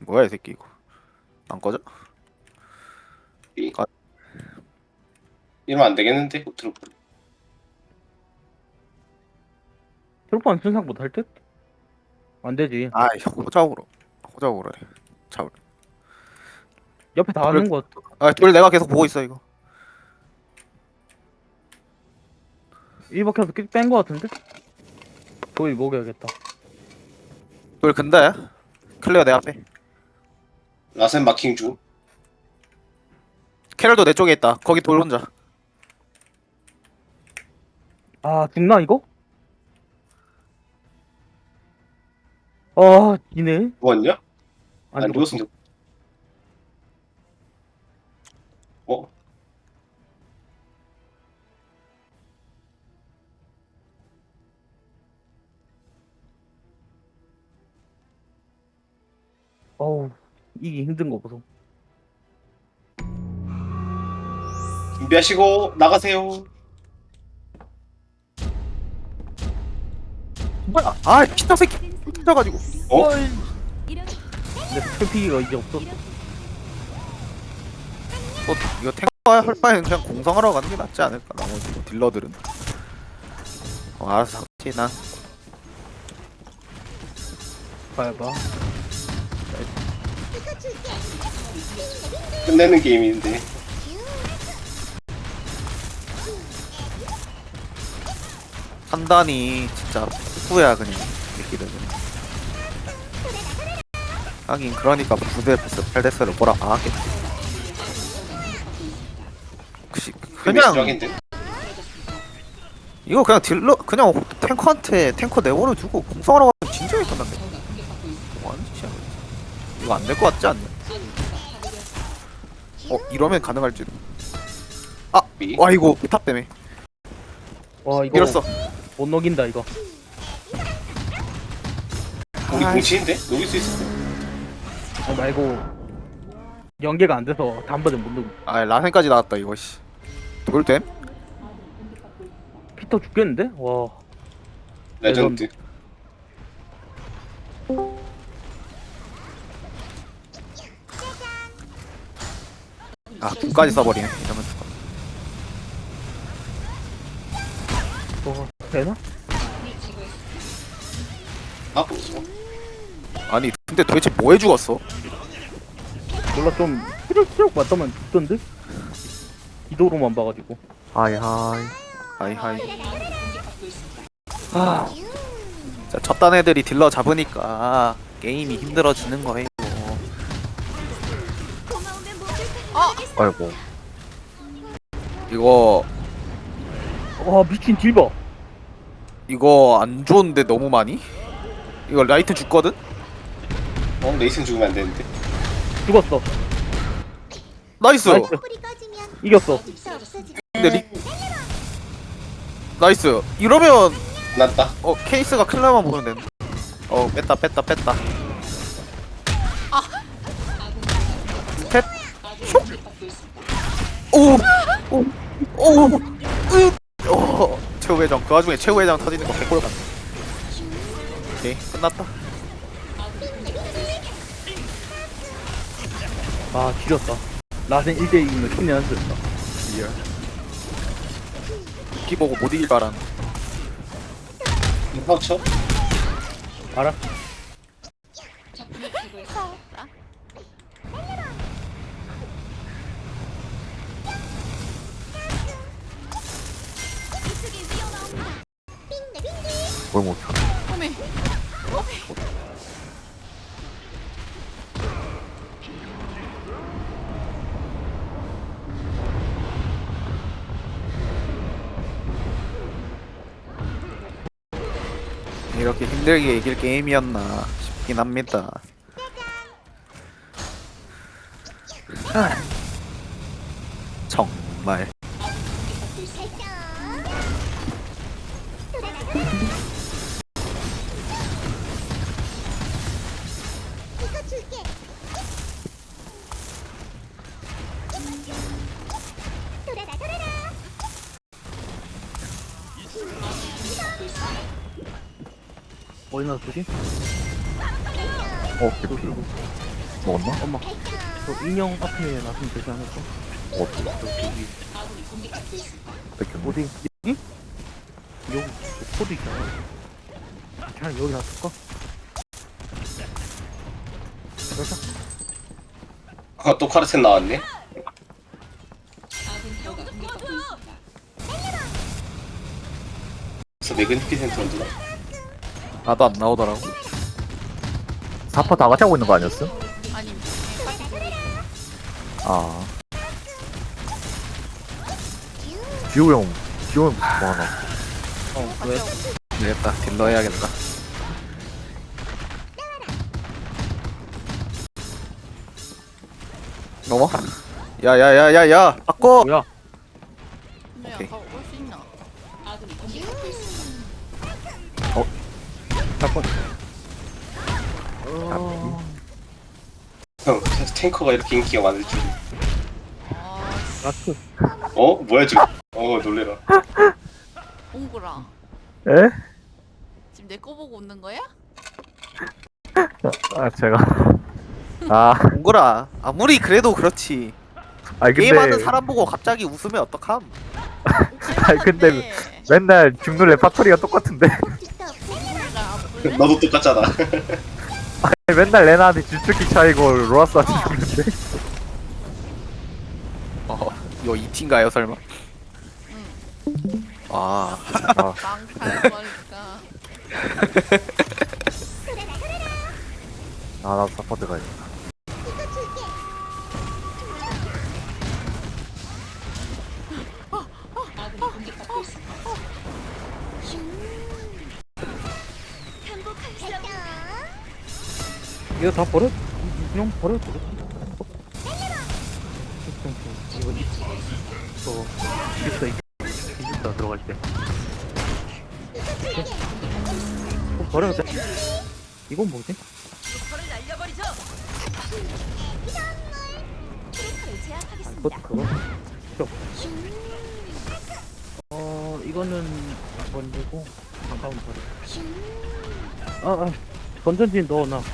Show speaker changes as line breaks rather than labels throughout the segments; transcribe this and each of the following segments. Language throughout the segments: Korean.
뭐야 이 새끼 이거. 안 꺼져?
이-
가-
이러면 안 되겠는데? 트루프.
트로프는 순삭 못할 듯? 안 되지.
아이 호작으로 해. 자,
옆에 다
돌,
하는 거.
돌 내가 계속 보고 있어 이거.
1박혀서 뺀거 같은데? 거의 먹여야겠다.
돌 근데 클리어 내 앞에.
라센 마킹 중.
캐럴도 내 쪽에 있다. 거기 돌 혼자.
아, 죽나, 이거? 아, 이네?
죽었냐?
안
안
죽었어.
죽었으면 어?
어우, 이기 힘든 거 보소.
준비하시고 나가세요.
뭐야? 아 피타 새끼 터져가지고.
어?
근데 스피기가 이제 없어.
이거 탱커 할 바에는 그냥 공성하러 가는 게 낫지 않을까? 나머지 뭐 딜러들은. 알아서 하지 난.
봐봐.
끝내는 게임인데.
판단이 진짜 후야 그냥 새끼들은. 하긴 그러니까 9대스 8대스를 뭐라 하겠지. 혹시 그냥
쫙인데.
이거 그냥 딜러 그냥 탱커한테 탱커 내버려 두고 공성하러 가면 진작에 끝난대. 뭐하는 짓이야? 이거 안 될 것 같지 않냐? 이러면 가능할지도.
미.
와 이거 포탑 때문에
와, 이거
밀었어.
못 녹인다, 이거.
우리
아이.
공치인데? 녹일 수 있을 때.
말고, 연계가 안 돼서 단번에 못 녹이.
아 라센까지 나왔다 이거 씨. 돌됨?
피터 죽겠는데? 와.
레전드.
궁까지 써버리네 이러면 죽어.
되나?
아,
아니 근데 도대체 뭐해 죽었어?
몰라, 좀, 휘럭휘럭 맞다만 죽던데? 기도로만 봐가지고.
하이하이 자 첫단 애들이 딜러 잡으니까 게임이 힘들어지는 거예요. 아이고 이거
와, 미친 딜버.
이거 안 좋은데 너무 많이? 이거 라이트 죽거든?
레이슨 죽으면 안 되는데.
죽었어.
나이스!
나이스. 이겼어.
근데 나이스 이러면
났다.
케이스가 클라만 보면 되는데. 뺐다 스텝 슉 최후 회장 그 와중에 최후 회장 터지는 거 개꿀 같네. 오케이 끝났다.
아, 지렸다. 라센 1대2면 큰일 났었다.
리얼 키 보고 못 이길 줄 알았네.
파우쳐?
알아?
뭘 못해. 이렇게 힘들게 이길 게임이었나 싶긴 합니다. 정말
어디 놨지?
개피.
먹었나?
엄마 저 인형 앞에 놨으면 되지 않을까?
어디?
저기
뺏겼네.
어디? 응? 여기 코드 있잖아. 그냥 여기 놨을까? 그래서
또 카르텐 나왔네. 그래서 매그니피센트 언제나?
나도 안 나오더라고.
4퍼 다 같이 하고 있는 거 아니었어?
아니
아. 듀오 형 뭐 하나?
왜?
되겠다. 딜러 해야겠다. 넘어? 야야야야야! 바꿔!
뭐야?
근데
오케이.
아까 올수 있나?
잠깐.
형 탱커가 이렇게 인기가 많을 줄.
아
라스.
뭐야 지금? 놀래라.
옹구라
에?
지금 내 거 보고 웃는 거야?
아 제가 아
동그라. 아무리 그래도 그렇지.
아니
게임하는
근데
사람 보고 갑자기 웃으면 어떡함?
아니 근데 맨날 죽는 레파토리가 똑같은데
옹구리가
너도 똑같잖아.
아니, 맨날 레나한테 주특기 차이고 로라스한테 죽는데
이거 2팀가요 설마?
응
아,
망탈 거니까
나도 사퍼 가야겠다.
이거 다 버려? 인형 버려도 돼? 이거 이거 있어 있다 들어갈 때. 버려도 돼? 이건 뭐지? 그것도 그거? 필요 없어. 이거는 안 버리고 잠깐만 버려. 건전지 넣어놔.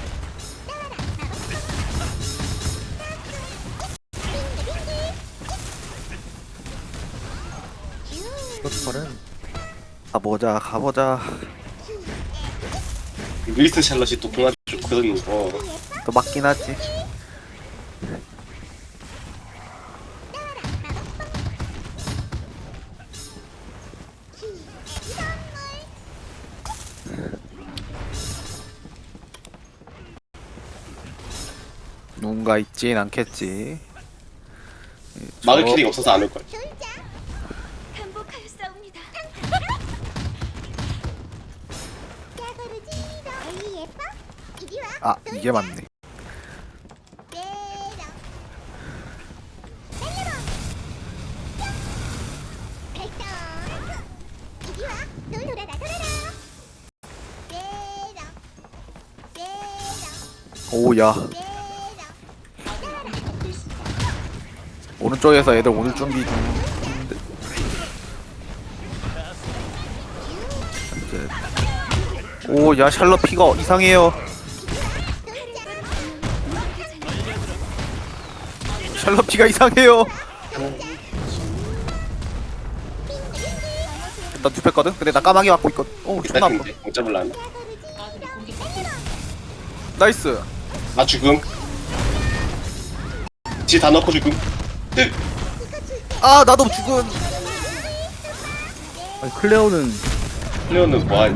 그것도 버려.
가보자.
윌슨 샬럿이 또 궁합이 좋거든.
또 맞긴 하지. 누군가 있진 않겠지.
막을 캐릭이 없어서 안 올걸.
행복하였사옵니다. 예뻐? 이리 와.
아, 이게 맞네.
이리 와. 놀아라.
오야. 오른쪽에서 애들 오늘 준비 중. 오야 샬럿 피가 이상해요. 샬럿 피가 이상해요. 일단 눕혔거든. 근데 나 까마귀 맞고 있거든. 오 존나 아파.
기다리는데 못 잡을라나?
나이스.
나 죽음. 지 다 넣고 죽음.
아 나도 죽은.
아니 클레오는
클레오는 뭐하니?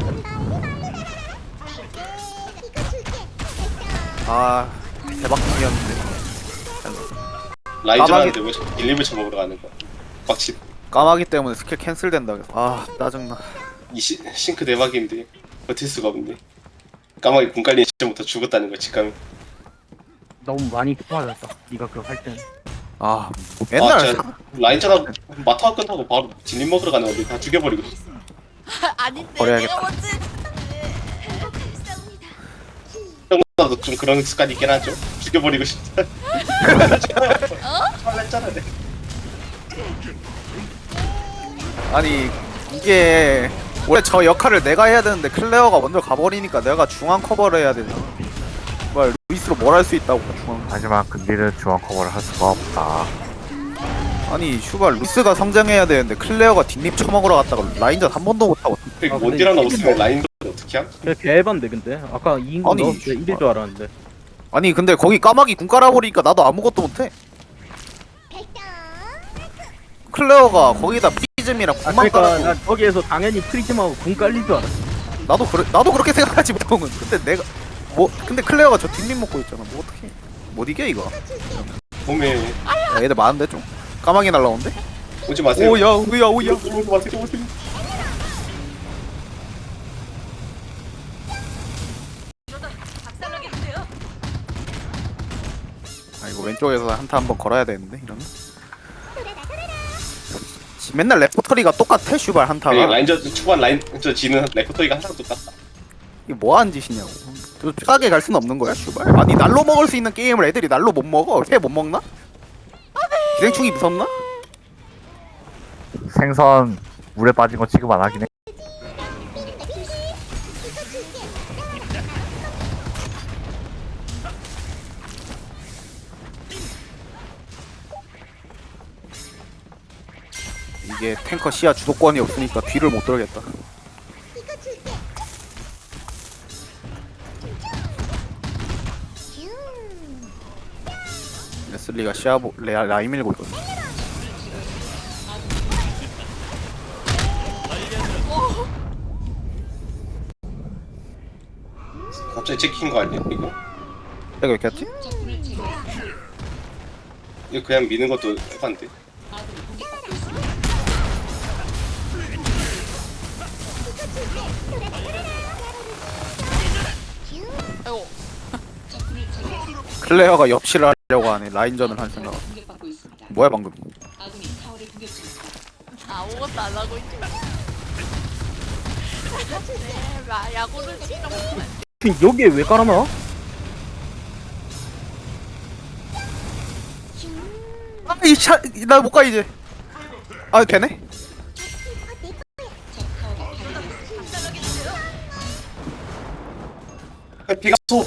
아 대박 중이었는데.
라이저
까마귀-
하는데 왜 1, 2을 쳐먹으러 가는 거야? 빡치.
까마귀 때문에 스킬 캔슬된다 그래서 아 짜증나.
이 싱크 대박인데 버틸 수가 없네. 까마귀 군 깔린 시점부터 죽었다는 거 직감.
너무 많이 맞았다. 네가 그거 할 때는.
아 맨날
진짜 라인전하고 마타가 끝나고 바로 진림 먹으러 가는 건데 다 죽여버리고.
아닌데
버려야겠다.
내가 먼저
행복하였사옵니다.
형나도 좀 그런 습관이 있긴 하죠. 죽여버리고 싶다. 설렜잖아. 내.
아니 이게 원래 저 역할을 내가 해야 되는데 클레어가 먼저 가버리니까 내가 중앙 커버를 해야 되잖아. 말 루이스로 뭘 할 수 있다고 중앙.
하지만 근딜은 중앙 커버를 할 수가 없다.
아니 슈발 루이스가 성장해야 되는데 클레어가 뒷립 쳐먹으러 갔다가 라인전 한 번도 못하고.
그
아,
원딜 하나
근데
없으면 라인도 어떻게 함?
그래 개반데 근데 아까 2인공
아니,
넣었을 때 1일 줄 알았는데.
아니 근데 거기 까마귀 궁 깔아버리니까 나도 아무것도 못해.
발동.
클레어가 거기다 프리즘이랑 궁만
그러니까
깔아도
난 거기에서 당연히 프리즘하고 궁 깔릴 줄 알았어.
나도 그렇게 생각하지 보통은. 근데 내가 근데 클레어가 저 뒷립 먹고 있잖아. 뭐 어떡해. 못 이겨 이거.
몸에
야, 얘들 많은데 좀. 까마귀 날라오는데?
오지 마세요.
오야 오야 오야.
오지 마세요. 오지 마세요.
아 이거 왼쪽에서 한타 한번 걸어야 되는데 이러면. 맨날 레포터리가 똑같아 슈발 한타가.
그러니까 라인전 초반 라인전 지는 레퍼토리가 항상 똑같다.
이게 뭐하는 짓이냐고. 저 싸게 갈 수는 없는 거야 슈발. 아니 날로 먹을 수 있는 게임을 애들이 날로 못 먹어. 회 못 먹나? 기생충이 무섭나?
생선 물에 빠진 거 취급 안 하긴 해.
이게 탱커 시야 주도권이 없으니까 뒤를 못 돌겠다.
이거 줄게.
레슬리가 라인 밀고 있거든.
갑자기 찍힌 거 아니야 이거?
내가 왜 이렇게 했지?
이거 그냥 미는 것도 해봤는데.
아이고.
클레어가 엽실을 하려고 하네. 라인전을 할 생각. 뭐야 방금?
아무것도 안 하고 있지. 네, 야구를 치러.
여기에 왜 깔아놔?
아이 나 못 가 이제. 아 되네?
비가 쏘.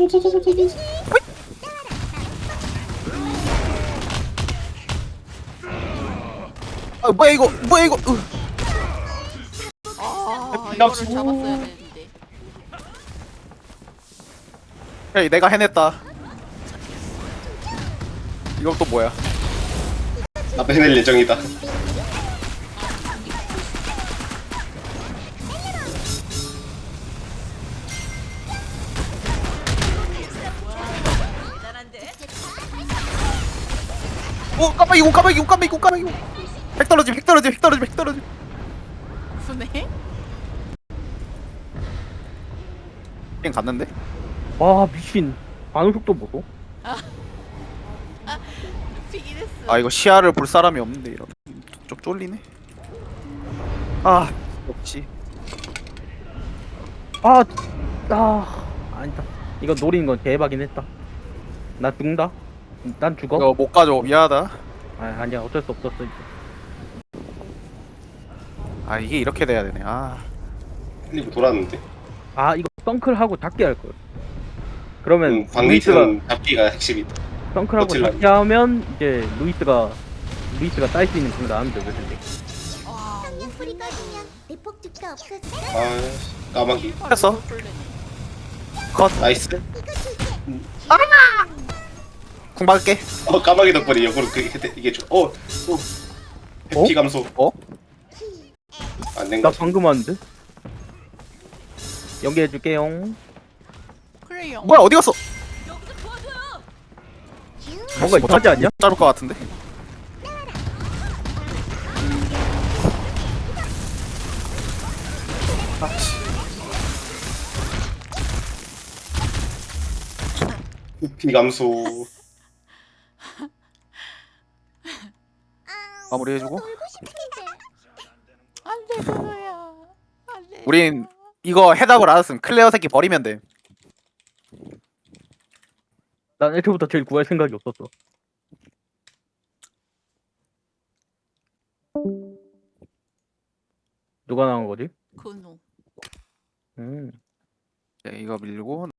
아 뭐야 이거 뭐야 이거.
아,
비가
이거를
쏘.
잡았어야 되는데.
야 내가 해냈다. 이건 또 뭐야?
나도 해낼 예정이다.
오 깜빡이 오 깜빡이 오 깜빡이 오 깜빡이. 핵 떨어짐 핵 떨어짐 핵 떨어짐 핵 떨어짐.
분해?
그냥 갔는데?
와 미친 반응 속도 보소.
피기레스.
아 이거 시야를 볼 사람이 없는데 이러면 좀 쫄리네. 아 역시.
아니다. 이거 노리는 건 대박이긴 했다. 나 죽는다. 난 죽어.
이거 못 가져 미안하다.
아니야 어쩔 수 없었어 이제.
아 이게 이렇게 돼야 되네. 아
흘리고 돌았는데.
이거 덩클하고 닫게 할 걸. 그러면 루이스가
방귀는 잡기가 핵심이다.
덩클하고
버틸라고.
닫게 하면 이제 루이스가 딸 수 있는 공 나오면 되거든.
와,
성냥불이 꺼지면 내 폭죽도 없어질까?
아 까마귀.
했어. 컷.
나이스.
이거 줄게.
궁 박을게.
까마귀 덕분에 역으로 이게 좀. 해피 감소.
어?
안 된
나
거지.
방금 왔는데. 연계해줄게요.
그래요.
뭐야 어디 갔어?
뭔가 이상하지 않냐?
자를 것 같은데.
해피 감소.
마무리 해주고.
놀고 싶은데.
안돼 그거야. 안돼.
우린 이거 해답을 알았음. 클레어 새끼 버리면 돼.
난 애초부터 제일 구할 생각이 없었어. 누가 나온 거지?
근우.
음.
자, 이거 밀고